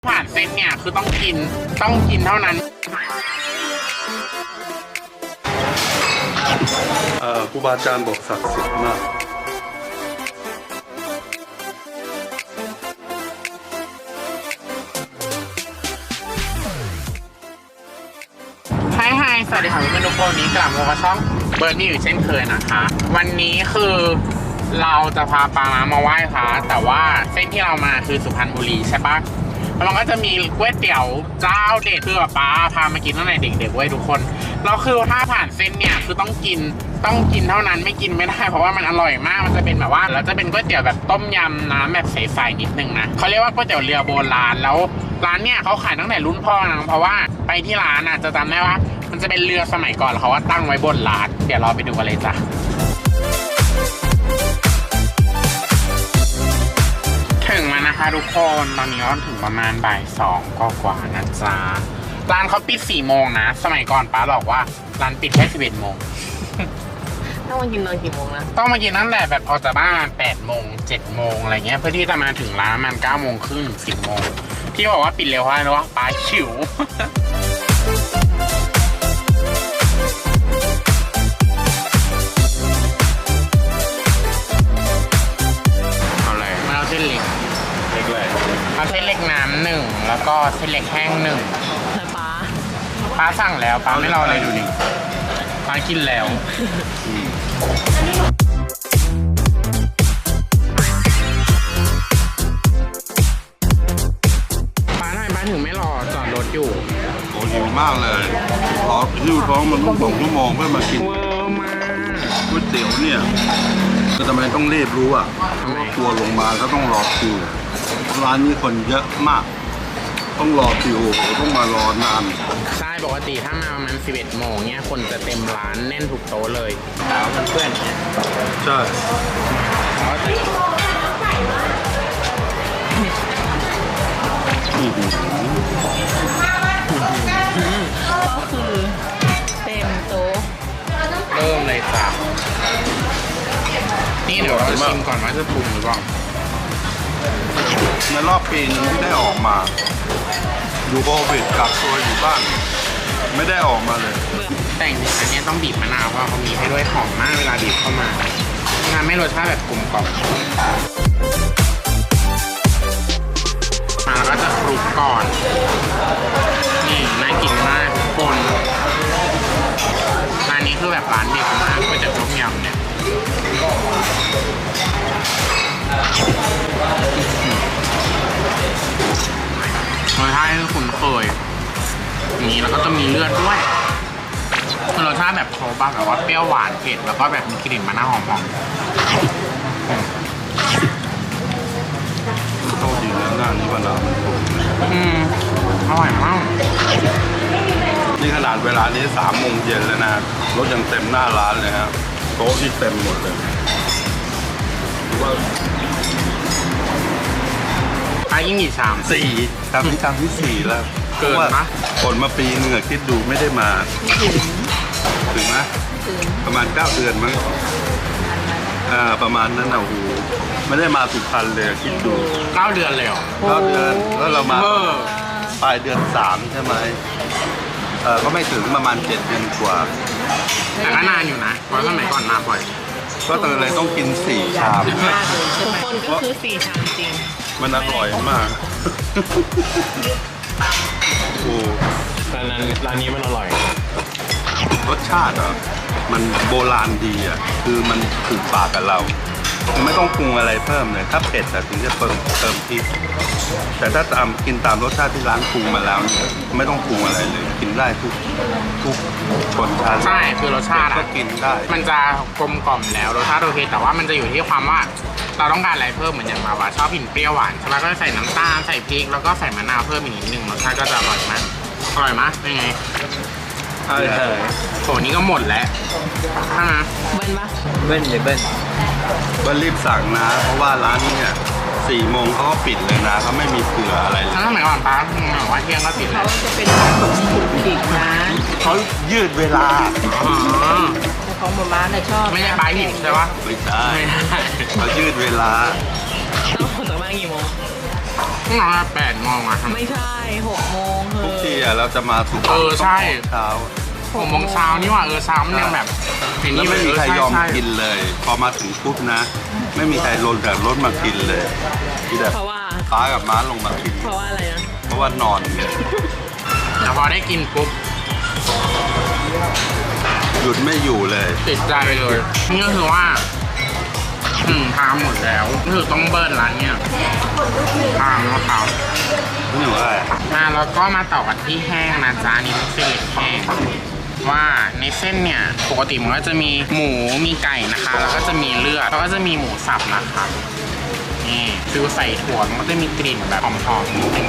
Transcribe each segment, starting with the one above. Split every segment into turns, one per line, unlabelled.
ผ่านเส้นเนี่ยคือต้องกินเท่านั้น
ครูบาอาจารย์บอกศักดิ์สิทธิ์มาก
ไฮสวัสดีค่ะเพื่อนๆทุกคนนี้กลับมาช่องเบิร์ดนี่อยู่เช่นเคยนะคะ วันนี้คือเราจะพาปามาไหว้พระแต่ว่าเส้นที่เรามาคือสุพรรณบุรีใช่ปะแล้วมันก็จะมีก๋วยเตี๋ยวเจ้าเด็ดคือป้าพามากินตั้งแต่เด็กๆไว้ทุกคนเราคือถ้าผ่านเส้นเนี่ยคือต้องกินเท่านั้นไม่กินไม่ได้เพราะว่ามันอร่อยมากมันจะเป็นแบบว่าแล้วจะเป็นก๋วยเตี๋ยวแบบต้มยำน้ำแบบใสๆนิดนึงนะเขาเรียกว่าก๋วยเตี๋ยวเรือโบราณแล้วร้านเนี่ยเขาขายตั้งแต่รุ่นพ่อนะเพราะว่าไปที่ร้านจะจำได้ว่ามันจะเป็นเรือสมัยก่อนเขาว่าตั้งไว้บนร้านเดี๋ยวเราไปดูกันเลยจ้ะถึงมานะคะทุกคนตอนนี้ก็ถึงประมาณบ่าย2กว่านะจ๊ะร้านเขาปิด4 โมงนะสมัยก่อนป้าบอกว่าร้านปิดแค่11 โมง
ต้องมากินตอนกี่โมงนะ
ต้องมากินตั้งแต่แบบออกจากบ้าน8 โมง7 โมงอะไรเงี้ยเพื่อที่จะมาถึงร้านมัน9 โมงครึ่งถึง10 โมงที่บอกว่าปิดเร็วเพราะอะไรรู้ปะป้าหิวเอาเลยมาเอาเส้นเล็กเอาเส้นเล็กน้ำ1แล้วก็เส้นเล็กแห้ง1
แล้ว
ป้าสั่งแล้วป้าไม่รออะไรดูดิป้ากินแล้วป้าทำไมป้าถึงไม่รอจอดรถอยู่
โอ้หิวมากเลยขอหิ้วท้องมันต้อง2 ชั่วโมงเพื่อมากิน
เวอร์มาก
ก๋วยเตี๋ยวเนี่ยก็ทำไมต้องรีบรู้อ่ะเพราะว่าทัวร์ลงมาก็ต้องรอคิวร้านนี้คนเยอะมากต้องรอคิวต้องมารอนาน
ใช่ปกติถ้ามาประมาณ11 โมงเนี่ยคนจะเต็มร้านแน่นทุกโต๊ะเลยแต่ว่าเพื่อนเนี่ย
ใช่
ก็คือเต็มโต๊ะ
เริ่มเลยจ้ะนี่เดี๋ยวเราชิมก่อนว่าจะปรุงหรือเปล่า
ในรอบปีนึงที่ได้ออกมาอยู่โควิดกักตัวอยู่บ้านไม่ได้ออกมาเลย
แต่จริงๆอันนี้ต้องบีบมะนาวเพราะเขามีให้ด้วยหอมมากเวลาบีบเข้ามางานไม่รสชาติแบบกลมกล่อมมาแล้วก็จะคลุกก่อนนี่น่ากินมากทุกคนร้านนี้คือแบบร้านเด็กมากก๋วยเตี๋ยวต้มยำเนี่ยรสชาติที่คุ้นเคยอย่างนี้แล้วก็จะมีเลือดด้วยรสชาติแบบโชว์บ้างแบบว่าเปรี้ยวหวานเผ็ดแล้วก็แบบมีกลิ่นมะนาวหอม
โชคดีแล้วงานนี้วันละมันถูก
อร่อยมาก
นี่ขนาดเวลานี้3 โมงเย็นแล้วนะรถยังเต็มหน้าร้านเลยครับโต๊ะที่เต็มหมดเลยว่า
ยิ่งอีก
4ครับนี่ครั้งที่4แล้ว
เกินนะ
คนมาปีนึงคิดดูไม่ได้มาถึงไหมประมาณ9 เดือนมั้งประมาณนั้นโอ้โหไม่ได้มาสุพรรณเลยคิดดู
9 เดือนเลยเหรอ
9 เดือนแล้วเรามาปลายเดือน3ใช่ไหมก็ไม่ถึงประมาณ7 เดือนกว่า
แต่ก็นานอยู่นะเพราะสมัยก่อนมาบ่อย
ก็เลยต้องกิน4 ชาม
ทุกคนก็คือ4 ชามจริง
มันอร่อยมากโอ้
ร้านนี้มันอร่อย
รสชาติมันโบราณดีคือมันถูกปากกับเราไม่ต้องปรุงอะไรเพิ่มเลยถ้าเผ็ดถึงจะเติมพริกแต่ถ้ากินตามรสชาติที่ร้านปรุงมาแล้วเนี่ยไม่ต้องปรุงอะไรเลยกินได้ทุกชนชาติ
ใช่คือรสชาติ
ก็กินได้
มันจะกลมกล่อมแล้วรสชาติโอเคแต่ว่ามันจะอยู่ที่ความว่าเราต้องการอะไรเพิ่มเหมือนอย่างเราชอบกินเปรี้ยวหวานใช่ไหมก็ใส่น้ำตาลใส่พริกแล้วก็ใส่มะนาวเพิ่มอีกนิดนึงรสชาติก็จะอร่อยมากเป็นไง
ใช่
โหนี่ก็หมดแล้ว
เบิ้ลปะ
เบิ้ลรีบสั่งนะเพราะว่าร้านนี้เนี่ย4 โมงเขาก็ปิดเลยนะเขาไม่มีเผื่ออะไรเลย
ถ้าสมัยก่อนป้าบอกว่าเที่ยงก็ปิดแล้ว
เขาจะเป็นร้านของถูกปิดนะ
เขายืดเวลา
ของหมู่บ้านชอบ
ไม่ใช่ป้าหิบใช่ปะ
ไม่ได้เขายืดเวลา
ต้องออกจากบ้านกี่โมง
นอน8 โมงอะ
ไม่ใช่6 โมงเถ
ทุกที
อะ
เราจะมาสุพรรณ
ใช่
เช้า
6 โมงเช้านี่หว่าเช้ามันยังแบบเห็น
แล้ว
นี่
ไม่มีใครยอม
ใช่
กินเลย พอมาถึงปุ๊บนะ ไม่มีใครลงจากรถมากินเลยที่แต่
เพราะว่า
ป้ากับม้าลงมากิน
เพราะว่าอะไรนะ
เพราะว่านอนไง
แต่พอได้กินปุ๊บ
หยุดไม่อยู่เลย
ติดใจเลยนี่ก็คือว่าทานหมดแล้วคือต้องเบิร์นร้านเนี่ยทานแล้วครับ
นี่หนูอะไร
แล้วก็มาต่อกันที่แห้งนะจ๊ะอันนี่เป็นเส้นเล็กแห้งว่าในเส้นเนี่ยปกติมันก็จะมีหมูมีไก่นะคะ แล้วก็จะมีเลือดแล้วก็จะมีหมูสับนะคะนี่ฟิวใส่ถั่วมันก็จะมีกลิ่นแบบหอมๆนิดนึง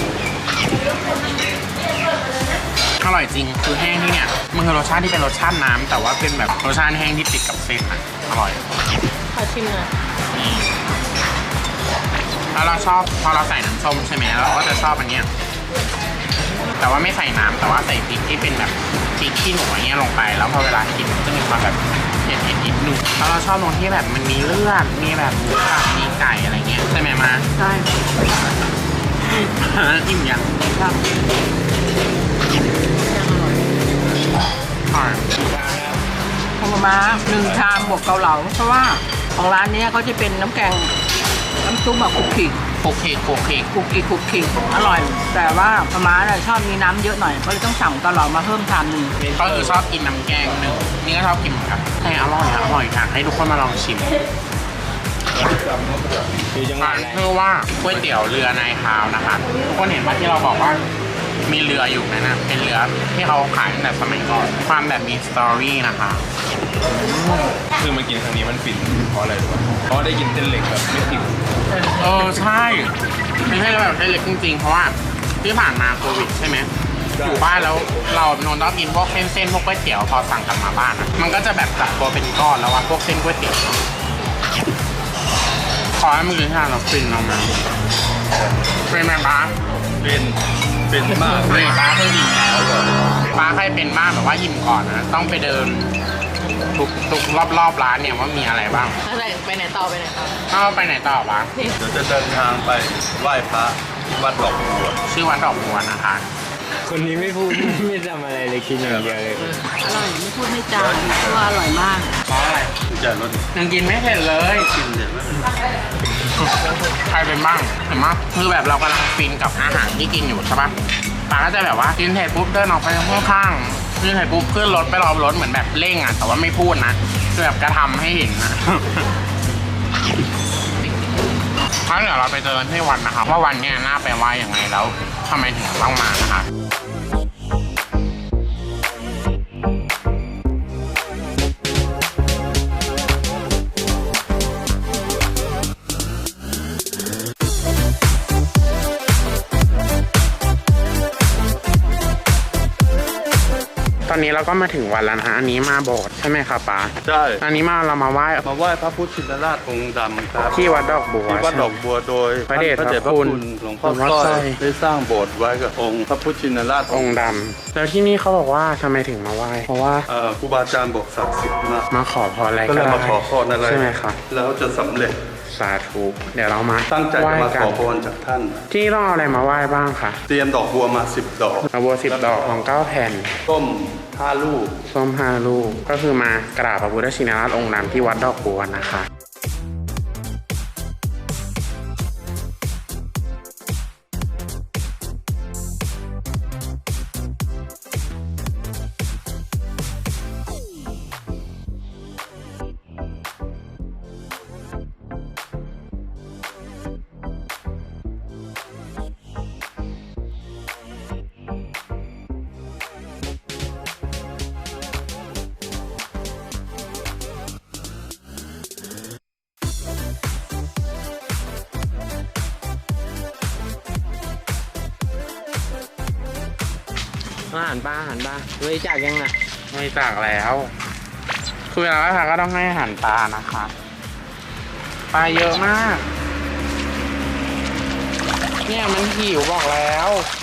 อร่อยจริงคือแห้งที่เนี่ยมันคือรสชาติที่เป็นรสชาติน้ำแต่ว่าเป็นแบบรสชาติแห้งที่ติดกับเส้นอ่ะอร่อย
ขอชิมหน่อย
นี่แล้วเราชอบพอเราใส่น้ำส้มใช่ไหมเราก็จะชอบอันเนี้ยแต่ว่าไม่ใส่น้ำแต่ว่าใส่พริกที่เป็นแบบพริกขี้หนูอย่างเงี้ยลงไปแล้วพอเวลากินมันจะมีความแบบเผ็ดนิดนึงแล้วเราชอบตรงที่แบบมันมีเลือดมีแบบหมูสับมีไก่อะไรเงี้ยใช่ไหมมา
ใช่
อิ่มยัง
ครับ
อร่อย
ของมา1 ชามบวกเกาเหลาเพราะว่าของร้านเนี้ยเขาจะเป็นน้ำแกงน้ำซุปแบบคุกกี้
โอเคโอเค
คุกกี้อร่อย แต่ว่าม้าเนี่ยชอบมีน้ำเยอะหน่อยก็เลยต้องสั่งเกาเหลามาเพิ่มชามหนึ่ง
ก็คือชอบกินน้ำแกงหนึ่งนี่ก็ชอบกินเหมือนกันแต่อร่อยอยากให้ทุกคนมาลองชิมร้านชื่อว่าก๋วยเตี๋ยวเรือนายคาวนะคะทุกคนเห็นว่าที่เราบอกว่ามีเรืออยู่นั่นนะเป็นเรือที่เขาขายตั้งแต่สมัยก่อนความแบบมีสตอรี่นะคะ
คือมากินครั้งนี้มันฟินเพราะอะไรรู้ป่ะเพราะว่าได้กินเส้นเล็กแบบไม่ผิด
ใช่ไม่ใช่แบบเล็กจริงๆเพราะว่าที่ผ่านมาโควิดใช่ไหมอยู่บ้านแล้วเราโนนต้องกินพวกเส้นพวกก๋วยเตี๋ยวพอสั่งกลับมาบ้านอะมันก็จะแบบจับตัวเป็นก้อนแล้วว่าพวกเส้นก๋วยเตี๋ยวขอให้มันกินทานเราฟินเรามาเป็นไหมป้า
เป็นมาก
นี่ป้าเคยอิ่มแล้วป้าเคยเป็นบ้างแบบว่าอิ่มก่อนนะต้องไปเดินทุกรอบร้านเนี่ยว่ามีอะไรบ้าง
อะไรไปไหนต่อ
ไปไหนต่อป้า
เดี๋ยวจะเดินทางไปไหว้พระที่วัดดอกบัว
ชื่อวัดดอกบัวนะคะ
คนนี้ไม่พูด ไม่ทำอะไรเลยกินอย่างเดียวเลย
อร่อยไม่พูดไม่จาเพราะว่าอร่อยมาก
เพราะอะไร
จะรถ
ยังกินไม่เสร็จเลย
กินเดี๋ยวไม่เป็นไร
ใครเป็นบ้างเห็นไหมคือแบบเรากำลังฟินกับอาหารที่กินอยู่ใช่ปะป้าก็จะแบบว่ากินเสร็จปุ๊บเดินออกไปข้างๆกินเสร็จปุ๊บขึ้นรถไปรอรถเหมือนแบบเร่งอ่ะแต่ว่าไม่พูดนะคือแบบกระทำให้เห็นนะงั้นเดี๋ยวเราไปเจอกันที่วันนะคะว่าวันเนี้ยน่าไปไหว้ยังไงแล้วทำไมถึงต้องมานะคะ ตอนนี้เราก็มาถึงวันแล้วนะฮะอันนี้มาโบสถ์ใช่ไหมครับป้า
ใช่
อันนี้เรามาไหว้
มาไหว้พระพุทธชินราชองค์ดำครับ
ที่วัดดอกบัว
ที่วัดดอกบัวโดย
พระเดช
ท่าน
พระคุณ
หลวงพ่อ
หลวงพ่อ
สร้
สร้
อ
อย ย
ได้สร้างโบสถ์ไว้กับองค์พระพุทธชินราช
องค์ดำแล้วที่นี่เขาบอกว่าทำไมถึงมาไหว้เพราะว่า
ครูบาอาจารย์บอกศักดิ์สิทธิ์มาก
มาขอพรอะไร
ก็
ก็
เลย
ได้
มาขอพรอะไร
ใช่ไหมครับ
แล้วจะสำเร็จ
สาธุเดี๋ยวเรามา
ตั้งใจ
ไหว้
จะมา
กั
ข
น
อพรจากท่าน
ที่นี่ต้องเอาอะไรมาไหว้บ้างคะ
เตรียมดอกบัวมา10 ดอก
เอาบัว10 ดอกของ9 แผ่น
ต้ม5 ลูก
ส้ม5 ลูกก็คือมากราบพระพุทธชินราชองค์ดำที่วัดดอกบัวนะคะ
อาหารปลาบริจาคยังไง
ไม่จากแล้วคือเวลาไหว้พระก็ต้องให้อาหารปลานะคะปลาเยอะมาก เนี่ยมันหิวบอกแล้ว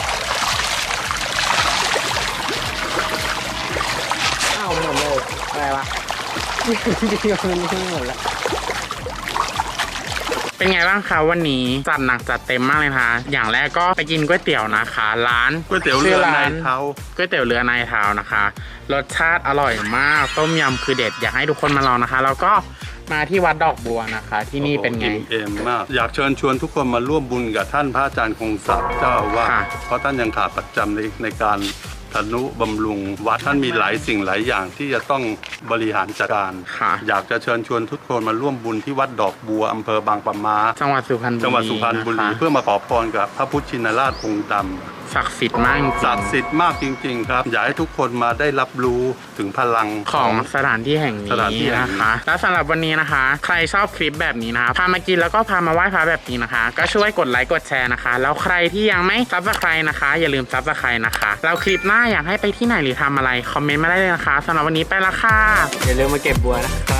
อ้าวหมดเลยอะไรวะ จริงๆมันไม่หมดแล้ว
เป็นไงบ้างคะวันนี้จัดหนักจัดเต็มมากเลยนะคะอย่างแรกก็ไปกินก๋วยเตี๋ยวนะคะร้าน
ก๋วยเตี๋ยวเรือในเท้า
ก๋วยเตี๋ยวเรือนายเท้านะคะรสชาติอร่อยมากต้มยำคือเด็ดอยากให้ทุกคนมาลองนะคะแล้วก็มาที่วัดดอกบัวนะคะ ที่นี่เป็นไง
อิ่มเอมมาก อยากเชิญชวนทุกคนมาร่วมบุญกับท่านพระอาจารย์คงศักดิ์เจ้าอาวาส
ค่ะ
เพราะท่านยังขาดประจำในการทนุบำรุงวัดท่านมีหลายสิ่งหลายอย่างที่จะต้องบริหารจัดการ
ค่ะ
อยากจะเชิญชวนทุกคนมาร่วมบุญที่วัดดอกบัวอำเภอบางปะมา
จังหวัดสุพรรณบุรี
จังหวัดสุพรรณบุรี
นะคะ
เพื่อมาขอพรกับพระพุทธชินราชองค์ดำ
ศักดิ์สิทธิ์มากจริงๆ
ศักดิ์สิทธิ์มากจริงๆครับ อยากให้ทุกคนมาได้รับรู้ถึงพลัง
ของสถานที่แห่ง
สถานที่
นี้
แห่ง
นะ
นี้
คะ และสำหรับวันนี้นะคะ ใครชอบคลิปแบบนี้นะคะพามากินแล้วก็พามาไหว้พระแบบนี้นะคะ ก็ช่วยกดไลค์กดแชร์นะคะ แล้วใครที่ยังไม่ซับสไครต์นะคะ อย่าลืมซับสไครต์นะคะแล้วคลิปหน้าอยากให้ไปที่ไหนหรือทำอะไรคอมเมนต์มาได้เลยนะคะสำหรับวันนี้ไปละค่ะ
อย่าลืมมาเก็บบัวนะครับ